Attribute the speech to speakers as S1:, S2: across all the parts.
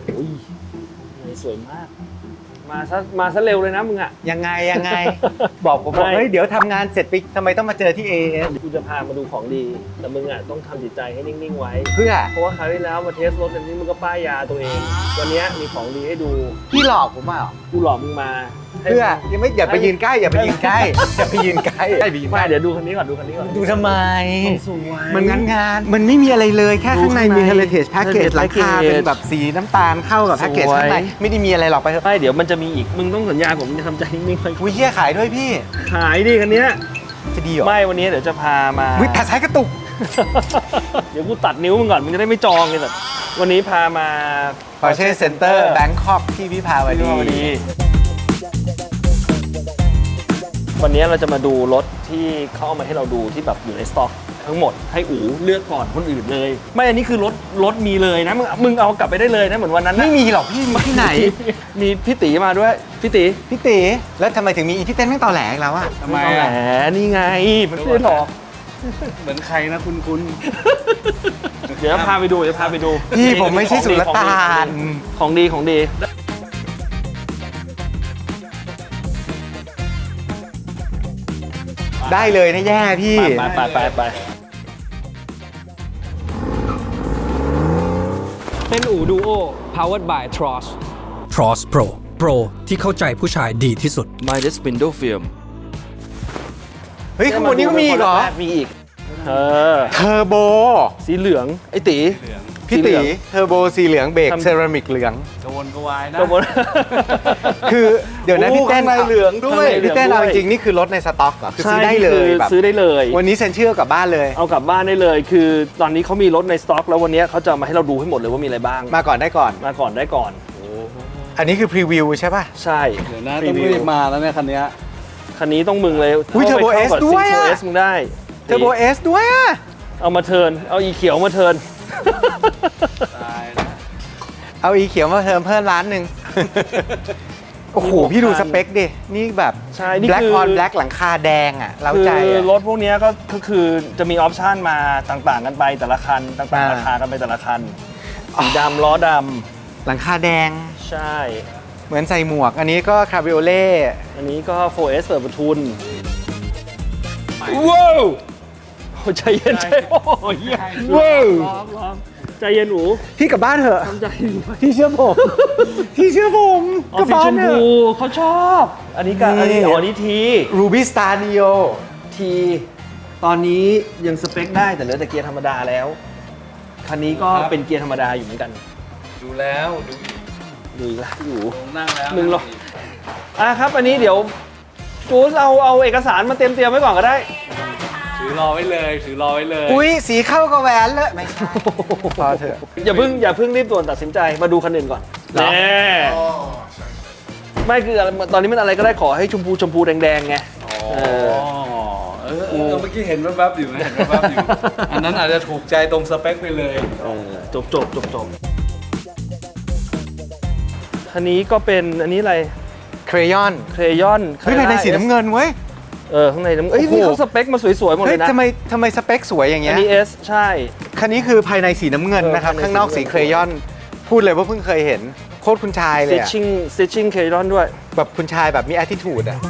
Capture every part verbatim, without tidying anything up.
S1: อุ้ยสวยมากมาซะมาซะเร็วเลยนะมึงอ่ะ
S2: ยังไงยังไง บอกผมบอกเฮ้ยเดี๋ยวทำงานเสร็จไปทำไมต้องมาเจอที่ เอ เอส
S1: กูจะพามาดูของดีแต่มึงอ่ะต้องทำจิตใจให้นิ่งๆไว้
S2: เพื่อ
S1: เพราะว่าคราวที่แล้วมาเทสรถอันนี้มึงก็ป้ายยาตัวเอง วันนี้มีของดีให้ดู
S2: พี่หลอกผมอ่ะ
S1: กูหลอกมึงมา
S2: เพื่อยังไม่อย่าไปยืนใกล้อย่าไปยืนใกล้อย่าไปยืนใกล้อย่าไปยืนใก
S1: ไม่
S2: ล้
S1: เดี๋ยวดูคันนี้ก่อนดูคันนี้ก่อน
S2: ดูทำไม
S1: สวย
S2: มันงานงานมันไม่มีอะไรเลยแค่ข้างในมี heritage package หลังคาเป็นแบบสีน้ำตาลเข้ากับแพ็กเกจข้างในไม่ได้มีอะไรหรอกไปเถอะ
S1: ไม่เดี๋ยวมันจะมีอีกมึงต้องสัญญาผมมึงจะทำใจนิ่งๆไว้
S2: วิเชียขายด้วยพี่
S1: ขายดิคันเนี้ย
S2: จะดีเหรอ
S1: ไม่วันนี้เดี๋ยวจะพามา
S2: วิแผ่นซ้ายกระตุก
S1: เดี๋ยวกูตัดนิ้วมึงก่อนมึงจะได้ไม่จองเลยแต่วันนี้พามา
S2: Porsche Center Bangkok ที่วิภาวดี
S1: ดีวันนี้เราจะมาดูรถที่เขาเอามาให้เราดูที่แบบอยู่ในสต็อกทั้งหมดให้อู๋เลือกก่อนคนอื่นเลย ไม่อันนี้คือรถรถมีเลยนะมึงมึงเอากลับไปได้เลยนะเหมือนวันนั้นนะ
S2: ไม่มีหรอกพี่มีที่ไหน
S1: มีพี่ตีมาด้วยพี่ตี
S2: พี่ตีแล้วทำไมถึงมีอีพี่เต้นไม่ต่อแหลกแล้วอะ
S3: ทำไม
S1: แหม
S3: อ่ะ
S1: นี่ไงมันไม่ได้หรอก
S3: เหมือนใครนะคุณคุณ
S1: เดี๋ยวพาไปดูเดี๋ยวพาไปดู
S2: พี่ผมไม่ใช่สุลต่าน
S1: ของดีของดี
S2: ได้เลยนะแย่พี่
S1: ไปไปไปไปเป็นอู่ดูโอ powered by Tross
S4: Tross Pro Pro ที่เข้าใจผู้ชายดีที่สุด
S5: Midas Window Film
S2: เฮ้ยข้างบนนี้ก็มีอีกเหรอ
S1: มีอีกเออ
S2: เทอร์โบ
S1: สีเหลืองไอ้ตี
S2: พี่ตีเทอร์โบสีเหลืองเบรก
S1: ทำ
S2: เซรามิกเหลือง
S3: กระวนกระวายนะ
S1: กระบวน
S2: คือเดี๋ยวนะพี่เต้น
S1: ข้างในเหลืองด้วย
S2: พี่เต้น
S1: เหลื
S2: เอา
S1: องด้วย
S2: จริงๆนี่คือรถในสต็อกเหรอคือซื้อ
S1: ใช่
S2: ได้เลย
S1: คือ
S2: แบบ
S1: ซื้อได้เลย
S2: วันนี้เซ็นชื่อกลับบ้านเลย
S1: เอากลับบ้านได้เลย คือตอนนี้เขามีรถในสต็อกแล้ววันนี้เขาจะมาให้เราดูให้หมดเลยว่ามีอะไรบ้าง
S2: มาก่อนได้ก่อน
S1: มาก่อนได้ก่อน
S2: อันนี้คือพรีวิวใช่ป่ะ
S1: ใช่
S3: เดี๋ยวนะต้องรีบมาแล้วเนี่ยคันเนี้ย
S1: คันนี้ต้องมึงเลย
S2: อุ๊ย Turbo S ด้วยอะ
S1: เทอร์โบเอสมึงได้
S2: เทอร์โบเอสด้วยอะ
S1: เอามาเทิร์นเอาอีเขียวมาเทิร์น
S3: ตายนะ
S2: เอาอีเขียวมาเทิมเพิ่มร้านหนึ่ง โอ้โห พี่ดูสเปคดิ นี่แบบ
S1: ใช่นี่
S2: แบล็ก
S1: คือ
S2: ออนแบล็กหลังคาแดงอ่ะเรา
S1: คือ
S2: ใจอะ
S1: รถพวกเนี้ยก็ก็คือจะมีออปชันมาต่างๆกันไปแต่ละคัน ต่าง
S2: อ่า
S1: ๆราคากันไปแต่ละคันสีดำล้อด
S2: หลังคาแดง
S1: ำใช่
S2: เหมือนใส่หมวก อันนี้ก็คาบิโอเล่
S1: อันนี้ก็ โฟร์เอส เปิดประทุนว้าวโอ้ใจเย็นใจโอ้ยเหี้ยว้าวร้องร้องใจเย็นหนู
S2: พี่กลับบ้านเถอะ
S1: ทำใจหนู
S2: พี่เชื่อผม พี่เชื่อผม
S1: อ๋อก
S2: ลับ
S1: สี
S2: บ้า
S1: ช
S2: น
S1: ม
S2: เถ
S1: พู
S2: อะ
S1: เขาชอบ อันนี้ก็
S2: นี่
S1: อันนี้อ๋ออันนี้ที
S2: รูบี้สตาร์นิโอ
S1: ทีตอนนี้ยังสเปคได้แต่เหลือแต่เกียร์ธรรมดาแล้ว คันนี้ก็เป็นเกียร์ธรรมดาอยู่เหมือนกัน
S3: ดูแล้วดู
S1: ดูอีกแล้วอยู่
S3: ผมนั่งแล้ว
S1: มึงหรอ อ่ะครับ อันนี้เดี๋ยวจูสเอาเอาเอกสารมาเตรียมเตรียมไว้ก่อนก็ได้
S3: ถือรอไว้เลยถือรอไว้เลย
S2: อุ้ยสีเข้ากับแหวนเลยไม่ใช่พอเถอะ
S1: อย่าเพิ่งอย่าเพิ่งรีบด่วนตัดสินใจมาดูคันอื่นก่อน
S2: เหรอ
S1: แน่ไม่คืออะไรตอนนี้มันอะไรก็ได้ขอให้ชมพูชมพูแดงๆไง
S3: อ๋อเออเออเมื่อกี้เห็นแวบๆอยู่นะเห็นแวบๆอยู่ อันนั้นอาจจะถูกใจตรงสเปคไปเลย
S1: เออจบจบจบจบคันนี้ก็เป็นอันนี้อะไร
S2: เครยอน
S1: เครยอน
S2: เฮ้ยภายในสีน้ำเงินเว้ย
S1: เออข้างในน้ำเอ้ย
S2: โอ้โห
S1: นี่เขาสเปคมาสวยๆหมด
S2: เฮ้
S1: เลย ยนะ
S2: ทำไมทำไมสเปคสวยอย่างเงี้
S1: อั
S2: ย
S1: นนี้ S ใช่
S2: คันนี้คือภายในสีน้ำเงิน
S1: เออ
S2: นะครับ
S1: ภายใน
S2: ข้างนอก
S1: สี
S2: สี
S1: น้ำเงิน
S2: เครยอน พูดเลยว่าเพิ่งเคยเห็น โคตรคุณชายเลยอะ
S1: stitching stitching เครยอนด้วย
S2: แบบคุณชายแบบมี attitude อะ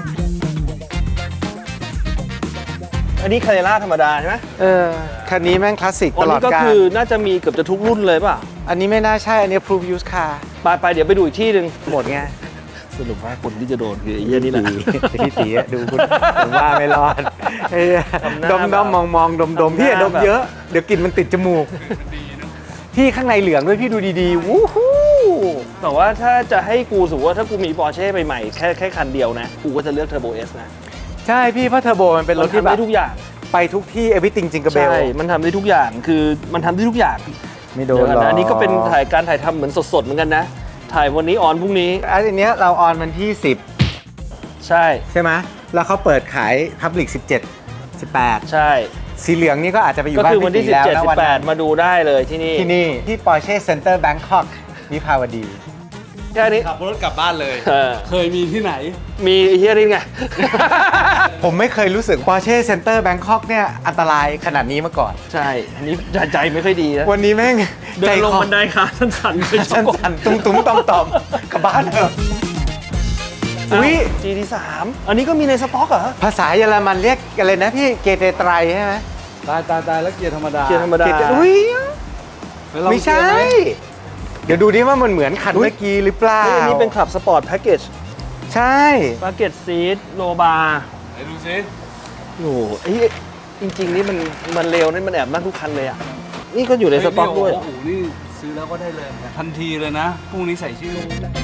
S1: อันนี้คาเรล่าธรรมดาใช่ไหม
S2: เออ คันนี้แม่งคลาสสิก
S1: อั
S2: ต
S1: น
S2: ลอ
S1: นี้
S2: ด
S1: ก็
S2: กาล
S1: คือน่าจะมีเกือบจะทุกรุ่นเลยป่ะ
S2: อันนี้ไม่น่าใช่ อันนี้ proof use car
S1: ไปไปเดี๋ยวไปดูอีกที่หนึ่ง
S2: หมดไง
S1: สรุปว่าคนที่จะโดนคือไอ้เหี้ยนี่แหละ
S2: พี่ตีอะดูคุณผมว่าไม่รอดเอ้ย
S1: ทำหน้า
S2: ดมดมมองมองดมดม
S1: ทำหน้า
S2: พี่อย่าดม
S1: แบบ
S2: เยอะ เดี๋ยวกลิ่นมันติดจมูก พี่ข้างในเหลืองด้วยพี่ดูดีๆ วู้ฮู้
S1: แต่ว่าถ้าจะให้กูสมมติว่าถ้ากูมีปอร์เช่ใหม่ๆแค่แค่คันเดียวนะ กูก็จะเลือกเทอร์โบเอสนะ
S2: ใช่พี่เพราะเทอร์โบมันเป็นร
S1: มั
S2: ถ
S1: น
S2: ที่
S1: ทำ
S2: แบ
S1: ได้
S2: บ
S1: ทุกอย่าง
S2: ไปทุกที่ everything จริงกับเบล
S1: ใช่ มันทำได้ทุกอย่างคือมันทำได้ทุกอย่าง
S2: ไม่โดน
S1: เดี๋ยว
S2: หร
S1: ก่
S2: อก
S1: นะอันนี้ก็เป็นถ่ายการถ่ายทำเหมือนสดๆเหมือนกันนะ ถ่ายวันนี้ออนพรุ่งนี้
S2: อันเนี้ยเราออนวันที่สิบ
S1: ใช่
S2: ใช่ไหมแล้วเขาเปิดขาย Public สิบเจ็ด สิบแปด
S1: ใช่
S2: สีเหลืองนี่ก็อาจจะไปอยู่
S1: ก็
S2: บ้าน
S1: คือวันที่
S2: พี่ตีแล้ว
S1: สิบเจ็ด
S2: นะ
S1: สิ
S2: วัน
S1: บแป
S2: นั้
S1: ด
S2: น
S1: มาดูได้เลยที่นี่
S2: ที่นี่ที่ Porsche Center Bangkok วิภาวดี
S1: แค่นี้
S3: ขับรถกลับบ้านเลย
S1: เออ
S3: เคยมีที่ไหน
S1: มีไอ้เฮียนี่ไง
S2: ผมไม่เคยรู้สึก Porsche Center Bangkok เนี่ยอันตรายขนาดนี้มาก่อน
S1: ใช่ อันนี้ใจใจไม่ค่อยดีนะ
S2: วันนี้แม่ง
S1: เดินลง
S2: คอ
S1: บันไดขาสั่นๆไปช
S2: สั
S1: อบ
S2: ั้นๆตุ้มๆต่อมๆกลับบ้านเถอะ
S1: อุ้
S2: อุ้
S1: ย
S2: ย
S1: จี ที สาม อันนี้ก็มีในสต็อกเหรอ
S2: ภาษาเยอรมันเรียกอะไรนะพี่เกเตไตรใช่ไหม
S3: ตายตายตายแล้วเกียร์ธรรมดา
S1: เกียร์ธรรมดา
S2: เกเตอุ้ย
S3: ปลอง
S2: ไม่ใช่
S3: เกียร์ห
S2: เดี๋ยวดูดิว่ามันเหมือนคันเมื่อกี้หรือเปล่า
S1: เฮ้ยอันนี้เป็นขับสปอร์ตแพ็กเกจ
S2: ใช่
S1: แพ็กเกจซีทโลบาร์
S3: ไหนดูซิ
S1: โอ้โหเฮ้ยจริง ๆ นี่มันมันเร็วนี่มันแอบนั่งทุกคันเลยอ่ะ นี่ก็อยู่ในสต็อกด้วย
S3: โอ้โหนี่ซื้อแล้วก็ได้เลยทันทีเลยนะพรุ่งนี้ใส่ชื่อ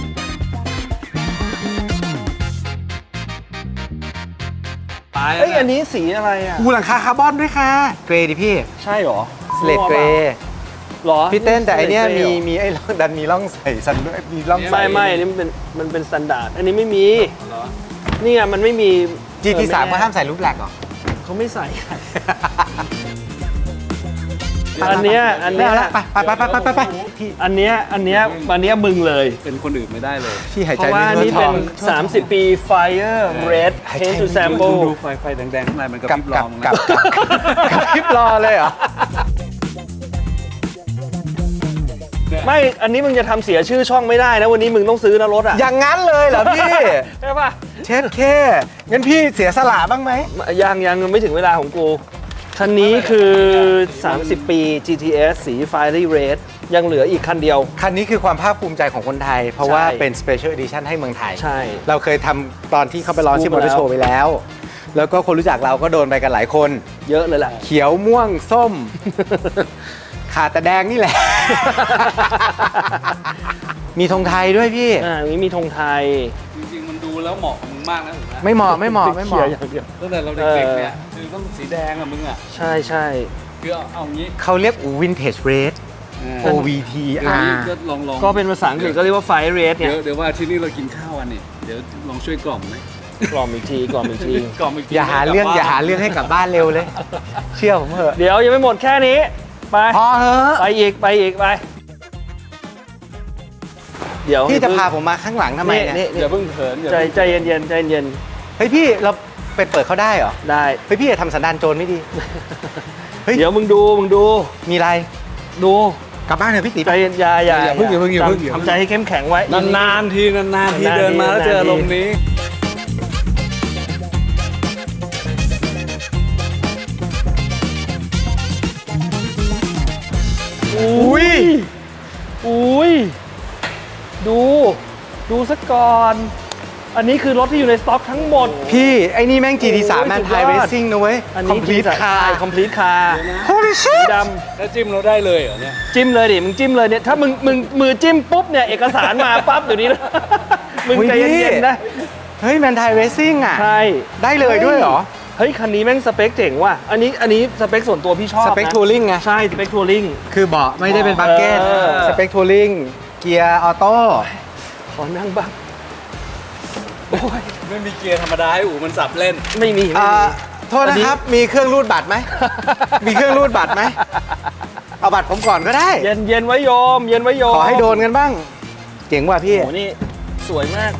S3: ตายแล้ว
S1: เอ้ย
S3: เนี่ย
S1: อันนี้สีอะไรอ่ะ
S2: อูหลังคาคาร์บอนด้วยค่ะ เกรย์ดิพี่
S1: ใช่เหรอ
S2: สเลดเกรย์
S1: หรอ
S2: พี่เต้นแต่อันเนี้ย
S1: Slate
S2: มี
S1: Grey เหรอ
S2: มีไอ้ร่องดันมีร่องใส่ซันด้วยมีร่องใส่
S1: ไม่ไม่อันนี้มันเป็นมันเป็นสแตนดาร์ดอันนี้ไม่มี
S3: เหรอ
S1: นี่ไงมันไม่มี
S2: จี ที สาม
S1: เออ
S2: ก็ห้ามใส่รูปแหลกหรอ
S1: เขาไม่ใส่ อันเนี้ยอัน
S2: ไม่
S1: เนี้ย
S2: เอาละไปไปไปไปไปไปพี่
S1: อันเนี้ยอันเนี้ยอันเนี้ยมึงเลย
S3: เป็นคนอื่นไม่ได้เลย
S2: พี่หาย
S1: เพ
S2: ใจ
S1: ราะว่า
S2: ไม่
S1: อัน
S2: ทั่ว
S1: นี้
S2: ท้
S1: เป็
S2: อน ง
S1: สามสิบ ปี Fire Red
S2: หายใจ
S1: Paint to
S2: ไม่
S1: Sample
S3: ดูไฟไฟแดงๆข้างในมันกระ
S2: กับ
S3: พริบร
S2: กั
S3: อบ มึง
S2: กับ
S3: นะ
S2: กับกับคลิปรอเลยเหรอ
S1: ไม่ อันนี้มึงจะทำเสียชื่อช่องไม่ได้นะ วันนี้มึงต้องซื้อนะรถอ่ะ
S2: อย่างนั้นเลยเหรอพี่
S1: ใช่ป่ะ
S2: เช็ดเคงั้นพี่เสียสละบ้างไหม
S1: ยังยังไม่ถึงเวลาของกู คันนี้คือ สามสิบ ปี จี ที เอส สี Fiery Red ยังเหลืออีกคันเดียว
S2: คันนี้คือความภาคภูมิใจของคนไทย เพราะว่า
S1: ใช่
S2: เป็น Special Edition ให้เมืองไทย
S1: ใช่
S2: เราเคยทำตอนที่เขาไปร้อนที่
S1: พู
S2: ม
S1: ด
S2: อ
S1: มา
S2: เตอร์โชว์
S1: แล้ว
S2: ไปแล้ว แล้วก็คนรู้จักเราก็โดนไปกันหลายคน
S1: เยอะเลยแหละ
S2: เขียวม่วงส้ม ขาดแต่แดงนี่แหละ มีธงไทยด้วยพี่
S1: อ่าอันนี้มีธงไทย
S3: จริงๆมันดูแล้วเหมาะกับมึงมากนะถูกไหม
S2: ไม่เหมาะไม่เหมาะไม่เหมาะ
S1: ขียร์อย่างเดียว
S3: ตั้งแต่เราเด็กๆเนี่ยคือต้องสีแดงอะมึงอะ
S1: ใช่ใช่
S3: คือเอาเอางี้
S2: เขาเรียกอูวินเทจเรด โอ วี ที
S3: เดี๋ยว
S2: อา
S3: นี้
S2: ร์
S3: ก็ลองลอง
S1: ก็เป็นภาษาอังกฤษก็เรียกว่า Fire Red เนี่
S3: เดี๋
S1: ย
S3: ยวเดี๋ยวว่าที่นี่เรากินข้าวกันนี่เดี๋ยวลองช่วยกล่อมไหม
S1: กล่อมอีกทีกล่อมอีกที
S3: กล่อมอีกที
S2: อย่าหาเรื่องอย่าหาเรื่องให้กลับบ้านเร็วเลย เชื่อผมเถอะ
S1: เดี๋ยวยังไม่หมดแค่นี้ ไป
S2: พอเถอะ
S1: ไปอีกไปอีกไป เดี๋ยว
S2: พี่จะพาผมมาข้างหลังทำไมเนี่ย
S1: นี่
S3: อย่าเพิ่งเขินอย่า
S1: ใจ
S3: เพิ่ง
S1: ใจเย็นๆใจเย็น
S2: เฮ้ยพี่เราไปเปิดเขาได้เหรอ
S1: ๆได้
S2: เฮ้ยพี่อย่าทำสันดานโจรไม่ดี เฮ้ย
S1: เดี๋ยวมึงดูมึงดู
S2: มีอะไร
S1: ดู
S2: กลับบ้านเถอะพี่ติ๋
S1: ใจเย็นอย่าอย่า
S3: อย่าเพิ่งอย่าเพิ่งอย่าเพิ่ง
S1: ทำทำใจให้เข้มแข็งไว้
S3: นานๆทีนานๆที
S1: นานๆที
S3: เดินมาแล้วเจอ
S1: นา
S3: อาน
S1: ๆที
S3: รมณ์นี้
S1: อุ้ยอุ้ยดู ดูซะก่อน อันนี้คือรถที่อยู่ในสต็อกทั้งหมด
S2: พี่ไอ้นี่แม่ง จี ที สาม
S1: โอ้ย
S2: แมน
S1: สุด
S2: ไท
S1: ย
S2: ย
S1: อด
S2: เรซซิ่งนะเว้ย
S1: อัน
S2: คอ
S1: นี้
S2: มพลีทคาร์
S1: คอมพลีทคาร์
S2: Holy
S1: สี
S2: shit
S1: ด
S3: แล้วจิ้มเราได้เลยเหรอเนี่ย
S1: ำจิ้มเลยดิ มึงจิ้มเลยเนี่ย ถ้ามึงมึงมือจิ้มปุ๊บเนี่ย เอกสารมาปั๊บเดี๋ยวนี้นะ มึงใจเย็นๆนะ
S2: เฮ้ยแมนไทยเรซซิ่งอ่ะ
S1: ใช่
S2: ได้เลยด้วยเหรอ
S1: เฮ้ย คันนี้แม่งสเปคเจ๋งว่ะ อันนี้อันนี้สเปคส่วนตัวพี่ชอบ
S2: ส
S1: นะ
S2: เปคทัวริงไง
S1: ใช่ สเปคทัวริง
S2: คือเบาะไม่ได้เป็นบักเก็ต
S1: เออ
S2: สเปคทัวริงเกียร์ออโต้
S1: ขอนั่งบ้างโอ้ย
S3: ไม่มีเกียร์ธรรมดาให้อู๋มันสับเล่น
S1: ไม่มีไม่
S2: อ่า
S1: มี
S2: โทษนะครับ มีเครื่องรูดบัตรไหม มีเครื่องรูดบัตรไหม เอาบัตรผมก่อนก็ได้
S1: เย็นเย็นไว้โยม เย็นไว้โยม
S2: ขอให้โดนกันบ้าง เจ๋งว่ะพี่
S1: โอ้โหนี่สวยมาก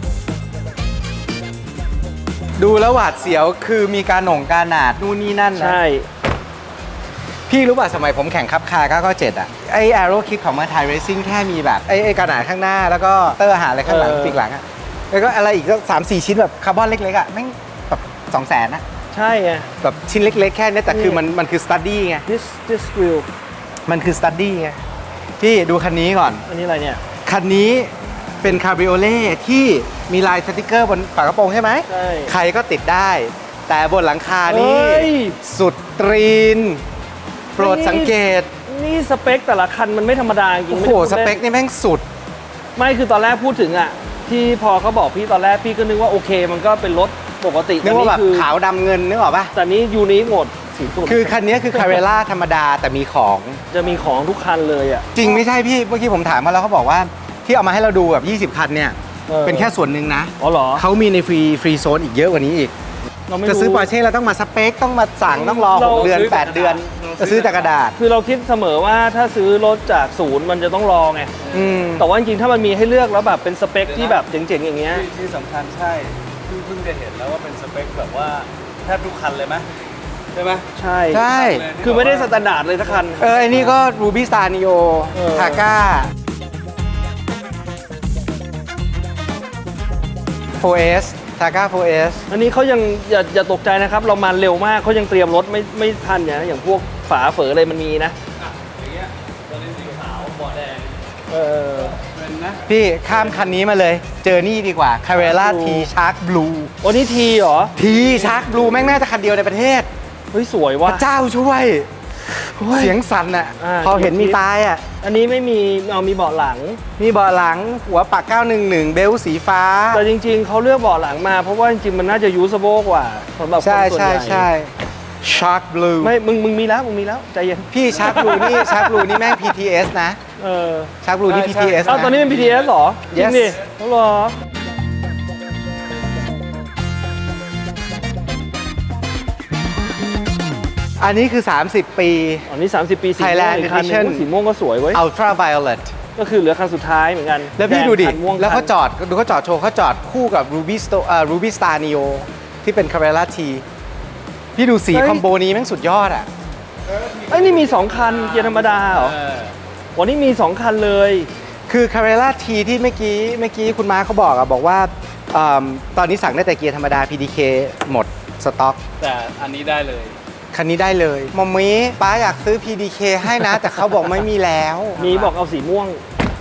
S2: ดูแล้วหวาดเสียวคือมีการหน่งการหนาดนู่นนี่นั่นนะ
S1: ใช่
S2: พี่รู้ป่ะสมัยผมแข่งคับคาร์เก้าเก้าเจ็ดอ่ะ ไอแอโรคิดของมาไทยเรซิ่งแค่มีแบบ ไอไอการหนาดข้างหน้าแล้วก็เตอร์หาอะไรข้างหลัง
S1: เออ
S2: ปีกหลังอ่ะ แล้วก็อะไรอีกก็สามสี่ชิ้นแบบคาร์บอนเล็กๆอ่ะแม่งแบบสองแสนนะ
S1: ใช่ไง
S2: แบบชิ้นเล็กๆแค่นี้แต่คือมันมันคือสตัดดี้ไง
S1: this this grill
S2: มันคือสตัดดี้ไงพี่ดูคันนี้ก่อน
S1: อันนี้อะไรเนี่ย
S2: คันนี้เป็นคาบริโอเล่ที่มีลายสติกเกอร์บนฝากระโปรงใช่ไหม
S1: ใช่
S2: ใครก็ติดได้ แต่บนหลังคานี้
S1: เฮ้ย
S2: สุดตรีน โปรดสังเกต
S1: นี่สเปคแต่ละคันมันไม่ธรรมดาจริง
S2: โอ้
S1: ไม่
S2: โห
S1: ได้พูด
S2: ส
S1: ล่น
S2: เปคนี่แม่งสุด
S1: ไม่คือตอนแรกพูดถึงอ่ะ ที่พอเขาบอกพี่ตอนแรกพี่ก็นึกว่าโอเค มันก็เป็นรถปกติ
S2: นึกว่าแบบ
S1: คือ
S2: ขาวดำเงินนึกออกปะ
S1: แต่นี้ยูนิคหมดสีตุ่น
S2: คือคันนี้คือคาเรล่าธรรมดาแต่มีของ
S1: จะมีของทุกคันเลยอ่ะ
S2: จริงไม่ใช่พี่ เมื่อกี้ผมถามมาแล้วเขาบอกว่าที่เอามาให้เราดูแบบยี่สิบคันเนี่ย
S1: เออ
S2: เป็นแค่ส่วนหนึ่งนะ
S1: อ๋อเหรอ
S2: เขามีในฟรีฟรีโซนอีกเยอะกว่านี้อีก
S1: เราไม่
S2: จะ
S1: รู้
S2: ซื้อปอร์เช่เราต้องมาสเปคต้องมาสั่งต้องรอห
S1: เรา
S2: กเดือนแปดเดือนจะซื้อจากกระดาษ
S1: คือเราคิดเสมอว่าถ้าซื้อรถจากศูนย์มันจะต้องรอไง
S2: อืม
S1: แต่ว่าจริงๆถ้ามันมีให้เลือกแล้วแบบเป็นสเปคที่แบบเจ๋งๆอย่างเงี้ย
S3: ที่ที่สำคัญใช่เพิ่งเพิ่งจะเห็นแล้วว่าเป็นสเปคแบบว่าแทบทุกคันเลยไหมใช่ไหม
S1: ใช่
S2: ใช่
S1: คือไม่ได้สแตนดาร์ดเลยสักคัน
S2: เออไอ้นี่ก็ Ruby Star Neo
S1: เออ
S2: Targa โฟร์ เอส Targa โฟร์ เอส
S1: อันนี้เขายังอย่าอย่าตกใจนะครับ เรามาเร็วมากเขายังเตรียมรถไม่ไม่ทันอย่างอย่างพวกฝาเฝออะไรมันมีนะ
S3: อย่างเงี้ยตัวนี้สีขาวเบาะแดง
S1: เออ
S3: เป็นนะ
S2: พี่ข้ามคันนี้มาเลย เจอนี่ดีกว่า Carrera T
S1: Blue
S2: Shark Blue
S1: วันนี้ทีเหรอ
S2: T Shark Blue แม่งน่าจะคันเดียวในประเทศ
S1: เฮ้ยสวย
S2: พ
S1: ว่ะ
S2: ระเจ้าช่วย เสียงสั่นอ่ะ
S1: อ่า
S2: พอเห็นมีตายอ่ะ
S1: อันนี้ไม่มีเอามีเบาะหลัง
S2: มีเบาะหลังหัวปักเก้าหนึ่งหนึ่งเบลสีฟ้า
S1: แต่จริงๆเขาเลือกเบาะหลังมาเพราะว่าจริงๆมันน่าจะยูสโบกว่าสำหรับคน
S2: ใช่
S1: ส่วน
S2: ใช่
S1: ใหญ่
S2: ใช่ Shark Blue
S1: ไม่มึงมึงมีแล้วมึงมีแล้วใจเย็น
S2: พี่ Shark Blue นี่ Shark Blue นี่แม่ง พี ที เอส นะ
S1: เออ
S2: Shark Blue นี่
S3: ใช่
S2: พี ที เอส
S1: อ้าวตอนนี้เป็น พี ที เอส เหรอจริง
S2: Yes
S1: ดิเขาเหรอ
S2: อันนี้คือ สามสิบ ปี
S1: อันนี้ สามสิบ ปีสีม่วง
S2: Thailand
S1: อีกคันหนึง
S2: Edition
S1: อุ๊ยสีม่วงก็สวยเว้ย
S2: Ultra Violet
S1: ก็คือเหลือคันสุดท้ายเหมือนกัน
S2: แล้วพี่ดูดิ
S1: แคันม่วง
S2: แล้วเขา
S1: คัน
S2: จอดดูเขาจอดโชว์เขาจอดคู่กับ Ruby Sto- เอ่อ Ruby Star Neo ที่เป็น Carrera T พี่ดูสีคอมโบนี้แม่งสุดยอดอ่ะ
S1: เอ้ยนี่มี สอง คันเกียร์ธรรมดาเหรอ
S3: เออ
S1: วันนี้มี สอง คันเลย
S2: คือ Carrera T ที่เมื่อกี้เมื่อกี้คุณม้าเขาบอกอะบอกว่าเอิ่มตอนนี้สั่งได้แต่เกียร์ธรรมดา พี ดี เค หมดสต็อก
S3: แต่อันนี้ได้เลย
S2: คันนี้ได้เลยมอมมี่ป้าอยากซื้อ พี ดี เค ให้นะ แต่เขาบอกไม่มีแล้ว
S1: มีบอกเอาสีม่วง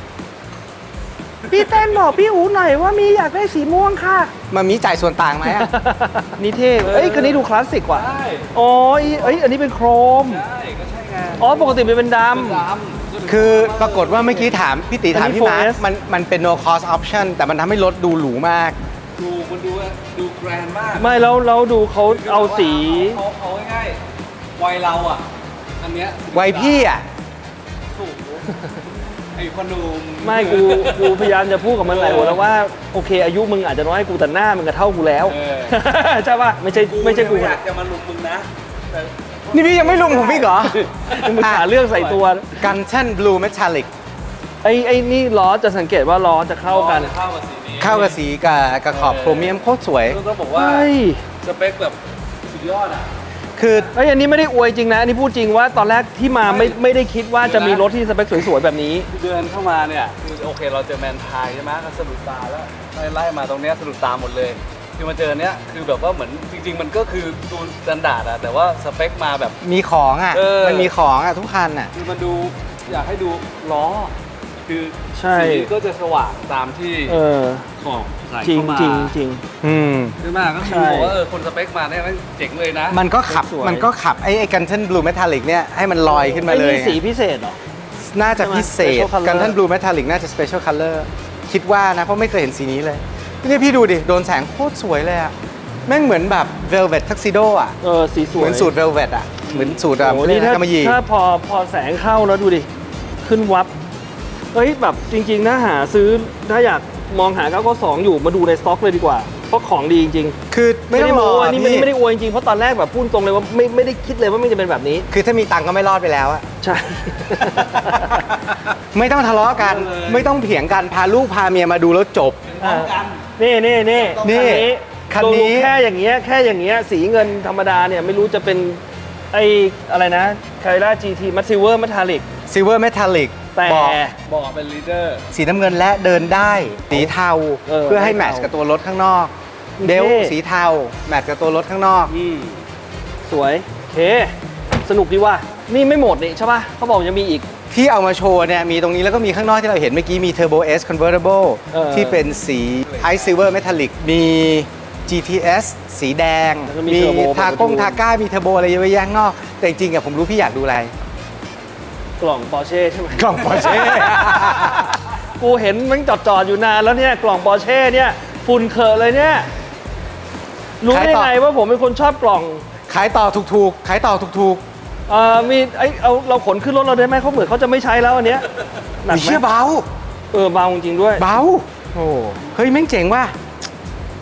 S1: พี่เต้นบอกพี่อูหน่อยว่ามีอยากได้สีม่วงค่ะ
S2: มามีจ่ายส่วนต่างไหมอะ
S1: นี่เท่เอ้ยคันนี้ดูคลาสสิกว่ะ
S3: ใช่
S1: อ๋อเอ้ยอันนี้เป็นโครม
S3: ใช่ก็ใช่ไง
S1: อ๋อปกติมันเป็นด
S3: ดำ
S2: คือปรากฏว่าเมื่อกี้ถามพี่ติถามพี่มาร์ค
S1: อันนี้ โฟร์ เอส
S2: มันมันเป็น no cost option แต่มันทำให้รถดูหรูมาก
S3: ดูมันดูดูแกรนด์มาก
S1: ำไม่แล้วแล้วดูเขาเอาสี
S3: เขาเขาง่ายๆวัยเราอ่ะ อันเนี้ย
S2: วัยพี่อ่ะ
S3: ถูกไอ้พอหนุ่ม
S1: ไม่กูกูพยายามจะพูดกับมันหลายหนแล้วว่าโอเค อายุมึงอาจจะน้อยกูแต่หน้ามึงก็เท่ากูแล้ว
S3: เออ
S1: ใช่ป่ะไม่ใช่ไม่ใช่กู
S3: อยากจะมาลุมมึงนะแต่
S2: นี่พี่ยังไม่ลุงผมพี่เหรอ
S1: มึงหาเรื่องใส่ตัว
S2: กันเช่น blue metallic
S1: ไอ้ไอ้นี่ล้อจะสังเกตว่าล้อจะเข้ากัน
S3: เข้ากับสีนี้
S2: เข้ากับสีกับกับขอบโครเมียมโคตรสวย
S3: ต้องบอกว่า
S1: เฮ้ย
S3: สเปคแบบสุดยอดอ่ะ
S2: คือ
S1: ไอ้ยอันนี้ไม่ได้อวยจริงนะอันนี้พูดจริงว่าตอนแรกที่มาไม่ไม่ได้คิดว่าจะมีรถที่สเปคสวยๆแบบนี้
S3: เดินเข้ามาเนี่ยคือโอเคเราเจอแมนไทยใช่ไหมก็สะดุดตาแล้วไล่ไล่มาตรงเนี้ยสะดุดตาหมดเลยคือมาเจอเนี้ยคือแบบว่าเหมือนจริง ๆ มันก็คือดูสแตนดาร์ดอะแต่ว่าสเปคมาแบบ
S2: มีของอ่ะ
S3: เออ
S2: มันมีของอ่ะทุกคันอ่ะ
S3: คือมันดูอยากให้ดูล้อ คือ
S1: ใช่
S3: สีก็จะสว่างตามที่
S1: เออ
S3: ขอบใส่
S1: จริง
S3: เข้ามา
S1: จริงจริง
S2: อืม
S3: ใช่ไหมก็คือ
S1: ใช่
S3: บอกว่าเออคนสเปคมาเนี่ยมันเจ๋งเลยนะ
S2: มันก็ขับ
S1: สวย
S2: มันก็ขับไอ้ไอ้กันเช่น blue metallic เนี่ยให้มันลอยขึ้นมาเลย
S1: ไอ้นี่สีพิเศษเหรอ
S2: น่าจะพิเศษ
S1: Special color
S2: กันท่าน blue metallic น่าจะ special color คิดว่านะ เพราะไม่เคยเห็นสีนี้เลยนี่พี่ดูดิ โดนแสงโคตรสวยเลยอะแม่งเหมือนแบบ velvet tuxedo อะ
S1: เออสีสวย
S2: เหมือนสูตร velvet อะเหมือนสูตรอะ
S1: โอ้โหนี่ถ้าก
S2: ำมะหยี่
S1: ถ้าพอพอแสงเข้าแล้วดูดิ ขึ้นวับ เฮ้ยแบบจริงๆ ถ้าหาซื้อถ้าอยากมองหาเก้าเก้าสองอยู่มาดูในสต็อกเลยดีกว่า เพราะของดีจริง
S2: คือ
S1: ๆ
S2: ไม่ต้องรอ
S1: อันนี้ไม่
S2: พี่
S1: ไม่ได้อวยจริงๆ เพราะตอนแรกแบบพูดตรงเลยว่าไม่ไม่ได้คิดเลยว่ามันจะเป็นแบบนี้
S2: คือถ้ามีตังค์ก็ไม่รอดไปแล้วอะ
S1: ใช่
S2: ไม่ต้องทะเลาะกัน ไม่ต้องเถียงกัน พาลูกพาเมียมาดูแล้วจบ
S3: พร้อมกัน
S1: นี่นี่นี่
S2: นี่คันนี้
S1: ดูแค่อย่างเงี้ยแค่อย่างเงี้ยสีเงินธรรมดาเนี่ยไม่รู้จะเป็นไออะไรนะคาร่า จี ที มัตซิเวอร์มัทาลิก
S2: silver metallic
S1: แต่
S2: บอก
S3: บอกเป็นลีดเดอร์
S2: สีน้ำเงินและเดินได้ สีเทา
S1: เออ
S2: เพื่อให้
S1: ให้
S2: แม
S1: เทา
S2: ทช์กับตัวรถข้างนอก
S1: โอเค
S2: เบลต์สีเทาแมทช์กับตัวรถข้างนอก
S3: อืม
S1: สวยโอเค สนุกดีว่ะนี่ไม่หมดนี่ใช่ป่ะเขาบอกยังมีอีก
S2: ที่เอามาโชว์เนี่ยมีตรงนี้แล้วก็มีข้างนอกที่เราเห็นเมื่อกี้มี Turbo S Convertible
S1: เออ
S2: ที่เป็นสี Ice Silver Metallic มี จี ที เอส สีแดง
S1: แล้วก็มี
S2: มี
S1: Turbo
S2: ทากงทาก้ามีเทอร์โบอะไรเยอะแยะข้างนอก แต่จริงๆอะผมรู้พี่อยากดูอะไร
S1: กล่องปอร์เช่ใช่ไหม
S2: กล่อง Porsche
S1: กูเห็นมันจอดจอดๆอยู่นานแล้วเนี่ยกล่องปอร์เช่เนี่ยฝุ่นเขอะเลยเนี่ยรู้ได้
S2: ขายต่อ
S1: ไงว่าผมเป็นคนชอบกล่อง
S2: ขายต่อถูกๆ ขายต่อถูก
S1: เอ่อมีไอเอาเราขนขึ้นรถเราได้ไหมเขาเหมือนเขาจะไม่ใช้แล้วอันเนี้ย
S2: ๆ
S1: หนัก
S2: มี
S1: ไหม
S2: เชื่อเบา
S1: เออเบาจริงๆด้วย
S2: เบา โอ้เฮ้ยแม่งเจ๋งว่ะ
S3: แ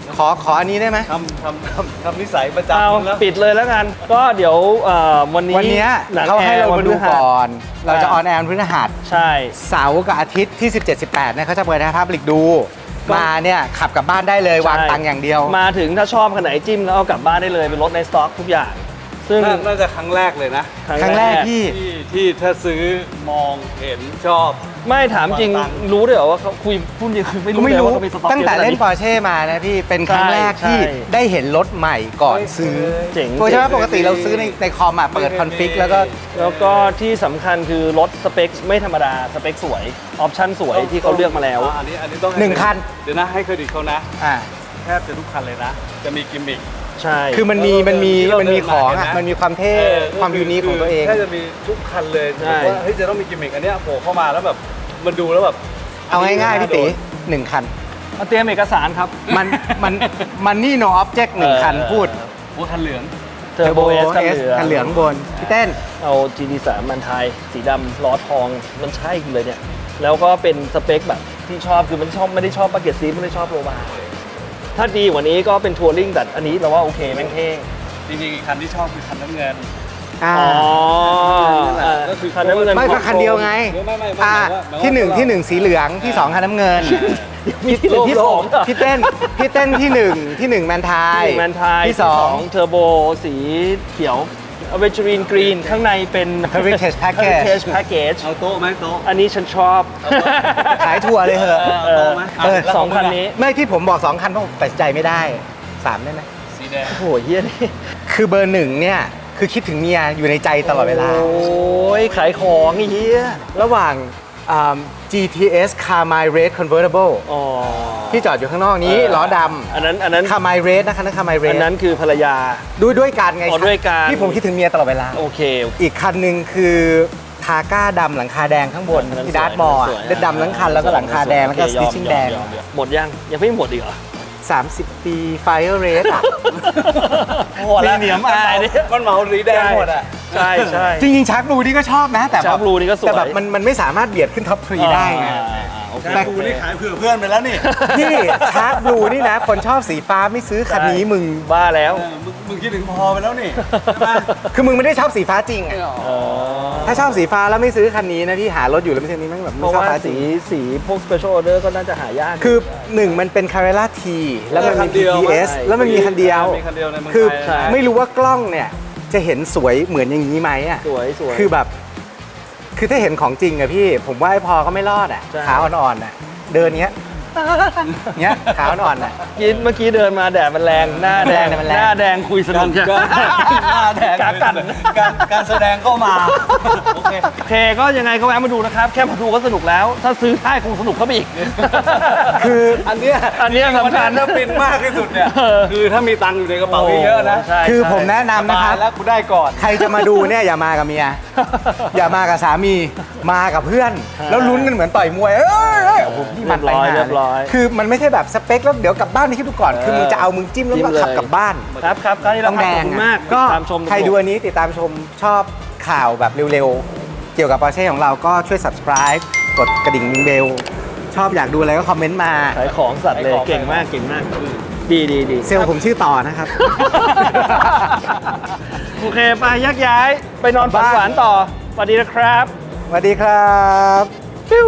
S2: ขอขออันนี้ได้ไหม
S3: ทำทำทำทำนิสัยประ
S1: เอา
S3: จำแล้ว
S1: ปิดเลยแล้วกัน ก็เดี๋ยวเอ่อวันนี้
S2: วันเนี้ย
S1: หนัง
S2: เขาให้เรา
S1: แอ
S2: มาดู
S1: วันพฤหัส
S2: ก่อน เราจะ
S1: อ่า
S2: ออนแอร์พฤหัส
S1: ใช่
S2: เสาร์กับอาทิตย์ที่ สิบเจ็ด สิบแปดเนี่ยเขาจะเปิดให้พับลิกดู
S1: ก็
S2: มาเนี่ยขับกลับบ้านได้เลย
S1: ใช่
S2: วางตังค์อย่างเดียว
S1: มาถึงถ้าชอบขนาดไหนจิ้มแล้วเอากลับบ้านได้เลยเป็นรถในสต็อกทุกอย่าง ซึ่ง
S3: น่าน่าจะครั้งแรกเลยนะ
S2: ครั้งแรกที่
S3: ที่ที่ถ้าซื้อมองเห็นชอบ
S1: ไม่ถามจริง
S3: วางตังค์
S1: รู้ด้วยเหรอว่าเขาคุยพูดจริงคือไม่รู้
S2: ไม่
S1: เลย
S2: รู้
S1: ว่าเขามีสต็อก
S2: ตั้งแต่
S1: ยอะขนาด
S2: เล่นปอร์เช่มานะพี่ เป็นครั้งแรก
S1: ใช่
S2: ที่
S1: ใช่
S2: ได้เห็นรถใหม่ก่อนซื้อ
S1: เจ๋ง
S2: ตัวใช่ไหม
S1: เจ๋ง
S2: ปกติเราซื้อในในคอมอ่ะเปิดคอนฟิกแล้วก็
S1: แล้วก็ที่สำคัญคือรถสเปคไม่ธรรมดา สเปคสวย ออปชั่นสวยที่เขาเลือกมาแล้ว
S3: อันนี้อันนี้ต้อง
S2: หนึ่งคัน
S3: เดี๋ยวนะให้เครดิตเขานะ
S2: อ่า
S3: แทบจะทุกคันเลยนะ จะมีกิมมิค
S1: ใช่
S2: คือมันมีมันมี
S3: ที่เรา
S2: มันมีของ
S3: เดินมา
S2: อ่ะ
S3: เห็นไหม
S2: มันมีความเท่
S3: เออ
S2: ความยูนิคของตัวเอง
S3: แทบจะมีทุกคันเลย
S1: ใช่
S3: ว่าเฮ้ยจะต้องมีกิมมิคอันเนี้ยโผล่เข้ามาแล้วแบบมันดูแล้วแบบ
S2: เอาง่ายๆพี่ตีหนึ่งคัน
S1: มาเตรียมเอกสารครับ
S2: มันมันมันนี่ no object หนึ่งคัน
S1: เออ
S2: พูด
S3: โอ้คันเหลือง
S1: เทอร์โบเอส
S2: เอสคันเหลืองบนพี่เต้น
S1: เอา จี ดี สาม มันไทยสีดำล้อทองมันใช่เลยเนี่ย แล้วก็เป็นสเปคแบบที่ชอบคือมันชอบไม่ได้ชอบบักเก็ตซีไม่ได้ชอบโรบาร์ถ้าดีกว่านี้ก็เป็นทัวริงแต่อันนี้เราว่าโอเคแม่งเท่
S3: จริงๆอีกคันที่ชอบคือคันน้ำเงิน
S2: อ่า
S1: อ๋อ
S3: นั่นแหละ
S1: อ่า
S3: ก็คือ
S1: คันน้ำเงิน
S2: ไม่ก็คันเดียวไง
S3: ไม่ไม่ไม่ไม่
S2: อ่า
S3: หมายว่าหมายว่า
S2: ที่หนึ่ง
S3: เรา
S2: ที่หนึ่งสีเหลืองที่สองคันน้ำเงิน
S1: มีที่หนึ่งที่สองเหรอ
S2: พี่เต้นพี่เต้นที่หนึ่งที่หนึ่งแมนทาย
S1: ที่แมนไทย
S2: ที่สอง
S1: เทอร์โบสีเขียวอเวจรีนกรีนข้างในเป็น
S2: Heritage Package
S1: Heritage Package
S3: เอาโต๊ะไหมโต๊ะ
S1: อันนี้ฉันชอบ
S2: ขายทัวร์เลยเหอะ
S1: เออ
S3: โต๊ะไหม
S2: เออ
S1: สองคันนี้
S2: ไม่ที่ผมบอกสองคันเพราะผมตัดสินใจไม่ได้สามได้ไหม
S3: สีแดง
S1: โอ้โหเฮียนี่
S2: คือเบอร์หนึ่งเนี่ย คือคิดถึงเมียอยู่ในใจตลอดเวลา
S1: โอ้ยขายของไอ้เฮีย
S2: ระหว่างอ่า จี ที เอส Carmine Red Convertible
S1: อ๋อ
S2: ที่จอดอยู่ข้างนอกนี้ล้อด
S1: อันนั้นอันนั้น
S2: ำ Carmine Red นะคะนั่น Carmine
S1: อัน
S2: Red
S1: นั้นคือภรรยา
S2: ด้วยด้วยกันไง
S1: อ๋อด้วยกัน
S2: ที่ผมคิดถึงเมียตลอดเวลา
S1: โอเคโอเค
S2: อีกคันหนึ่งคือทาก้าดำหลังคาแดงข้างบน
S1: อันนั้น
S2: ที่ดาร์ท
S1: สวย
S2: มอลล์
S1: สวย
S2: เด็ดดำทั้งคันแล้วก็หลังคาแดงแล้วก็
S1: โอ
S2: ส
S1: เค
S2: ติ
S1: ย
S2: ช
S1: อม
S2: ชิ่ง
S1: ยอม
S2: แดง
S1: ยอมยอมหมดยังยังไม่หมดอีกเหรอ
S2: สามสิบ ปี Fire Red อ่ะ
S1: โหแล้วเนียมอายเนี่ย
S3: มันเหมาสีแดงหมดอ่ะ
S1: ใช่ใช่
S2: จริงๆชาร์กบลูนี่ก็ชอบนะ แต่แบบ
S1: Shark Blue นี่ก็สวย
S2: แต่แบบมันมันไม่สามารถเบียดขึ้นท็อปทรีได้ไง
S1: อ่าอ่าอ่าโอเค
S2: แต่
S3: กูนี่ขายเผื่อเพื่อนไปแล้วนี่
S2: พี่ชาร์กบลูนี่นะ คนชอบสีฟ้าไม่ซื้อคันนี้มึง
S1: บ้าแล้ว
S3: เออมึงมึงคิดถึงพอไปแล้วนี่ใช่ไหม
S2: คือมึงไม่ได้ชอบสีฟ้าจริงอะ
S1: เออ
S2: ถ้าชอบสีฟ้าแล้วไม่ซื้อคันนี้นะพี่หารถอยู่แล้วไม่ใช่นี้แม่งแบบ
S1: เพ
S2: ไม่
S1: ราะ
S2: ชอบ
S1: ว่า
S2: ฟ้าจริ
S1: สี
S2: ง
S1: สีพวก special order ก็น่าจะหายาก
S2: คือหนึ่งมันเป็น Carrera T แล้วมัน
S3: คั
S2: มี
S3: นเดี
S2: ที
S3: ยว
S2: ที เอส
S1: ใช่
S2: แล้วมันมีคันเดียว
S3: มีคันเดียวในเมือง
S2: คือ
S3: ไทย
S1: ใช่
S2: ไม่รู้ว่ากล้องเนี่ยจะเห็นสวยเหมือนอย่างนี้ไหมอ่ะ
S1: สวยสวย
S2: คือแบบ คือถ้าเห็นของจริงอะพี่ ผมว่าไอ้พอก็ไม่รอดอะ
S1: ใช่
S2: ขาอ่อนๆอะเดินเงี้ย เงี้ยขาอ่อนๆอะ
S1: กินเมื่อกี้เดินมาแดดมันแรงหน้าแดง
S2: แดดมันแรง
S1: หน้าแดงคุยสนุก
S3: การหน้าแดง
S1: กากัน
S3: การการแสดงก็มาโอเค
S1: โอเคก็ยังไงก็แวะมาดูนะครับ แค่มาดูก็สนุกแล้ว ถ้าซื้อได้คงสนุกเข้าไปอีก
S2: คือ
S3: อันเนี้ย
S1: อันเนี้ยสำคัญ
S3: ถ้าปินมากที่สุดเนี่ย
S1: เออ
S3: คือถ้ามีตังค์อยู่ในกระเป๋าเยอะๆนะ
S1: ใช่
S2: คือ
S1: ใช่
S2: ผมแนะนำนะครับ
S3: สายแล้วกูได้ก่อน
S2: ใครจะมาดูเนี่ยอย่ามากับเมีย อย่ามากับสามี มากับเพื่อน แล้วลุ้นกันเหมือนต่อยมวย เอ้ยเอ้ยโอ้โหพี่มันไป
S1: เรียบร้อย
S2: หา
S1: เรียบร้อย
S2: คือมันไม่ใช่แบบสเปคแล้วเดี๋ยวกลับบ้านไปคิดดูก่อน คือมึงจะเอามึงจิ้มแล้ว
S1: จิ้ม
S2: ก็ขับ
S1: เลย
S2: กลับบ้าน
S1: ครับครับคราวนี้เรา
S2: ต้องแด
S1: ขอบ
S2: ง
S1: คุณ
S2: อะ
S1: มาก
S2: ก็
S1: ตามชม
S2: ใครดูอันนี้ติดตามชมชอบข่าวแบบเร็วๆ เกี่ยวกับปอร์เช่ของเราก็ช่วย subscribe กดกระดิ่งเบล ชอบอยากดูอะไรก็คอมเมนต์มา
S1: ขายของสัตว์เลยเก่งมากเก่งมาก ดีดีดี
S2: เซลล์ผมชื่อต่อนะครับ
S1: โอเคไปยักย้ายไปนอนฝันหวานต่อสวัสดีนะครับ
S2: สวัสดีครับฟิว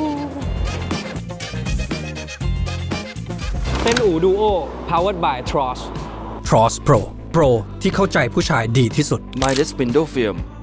S5: เป็นอู่ดูโอ powered by Tross
S4: Tross Pro Pro ที่เข้าใจผู้ชายดีที่สุด
S6: Midas Window Film